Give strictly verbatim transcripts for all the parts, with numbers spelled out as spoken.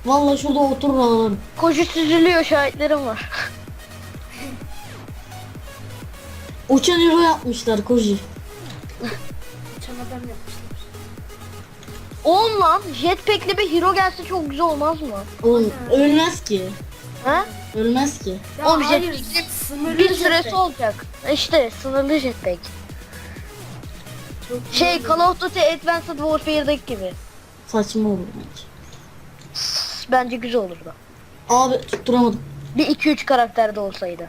Vallahi şurada oturur ağlarım. Koji süzülüyor, şahitlerim var. Uçan hero yapmışlar Koji. Uçan adam yapmışlar. Oğlum lan jetpack'li bir hero gelse çok güzel olmaz mı? Oğlum ölmez ki. Ha? Ölmez ki. Ya Oğlum hayır, jetpack sınırlı bir süresi jetpack. olacak. İşte sınırlı jetpack. Çok iyi Şey oluyor. Call of Duty Advanced Warfare'daki gibi. Saçma olur bence. Bence güzel olurdu. Abi tutturamadım. Bir iki üç karakterde olsaydı.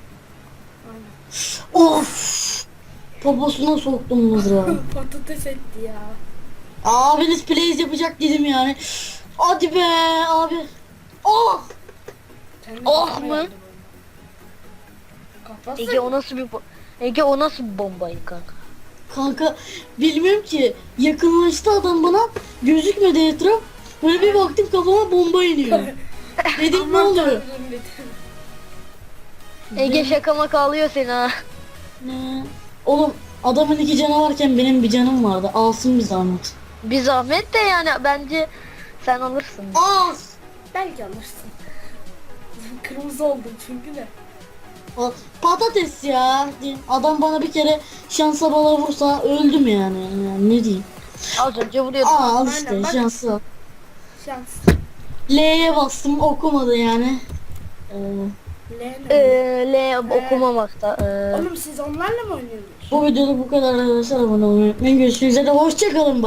Of. Poposuna soktum mızrağı. Patates etti ya. Abiniz plays yapacak dedim yani. Hadi be abi. Oh. Kendi Oh kafama mu? geldi bu. Kafası. Ege o nasıl bir bo- Ege o nasıl bir bombaydı kanka? Kanka bilmiyorum ki, yakınlaştı adam bana, gözükmedi etraf, böyle bir baktım kafama bomba iniyor. Dedim ne Aman oluyor? tanrım dedim. Ege şaka maka alıyor seni ha. Ne? Oğlum adamın iki canı varken benim bir canım vardı, alsın bir zahmet. Bir zahmet de yani bence sen alırsın. Al! Belki alırsın. Kırmızı oldum çünkü de. Al. Patates ya. Adam bana bir kere şansa bala vursa öldüm yani, yani ne diyeyim. Az önce vuruyordum. Aa, al Aynen, işte bak. şansı. Şans. L'ye bastım okumadı yani. Ee, L Ee, ne? L okumamakta. Ee, Oğlum siz onlarla mı oynuyorsunuz? bu videoda bu kadar arkadaşlar, abone olmayı unutmayın. Görüşmek üzere, hoşçakalın.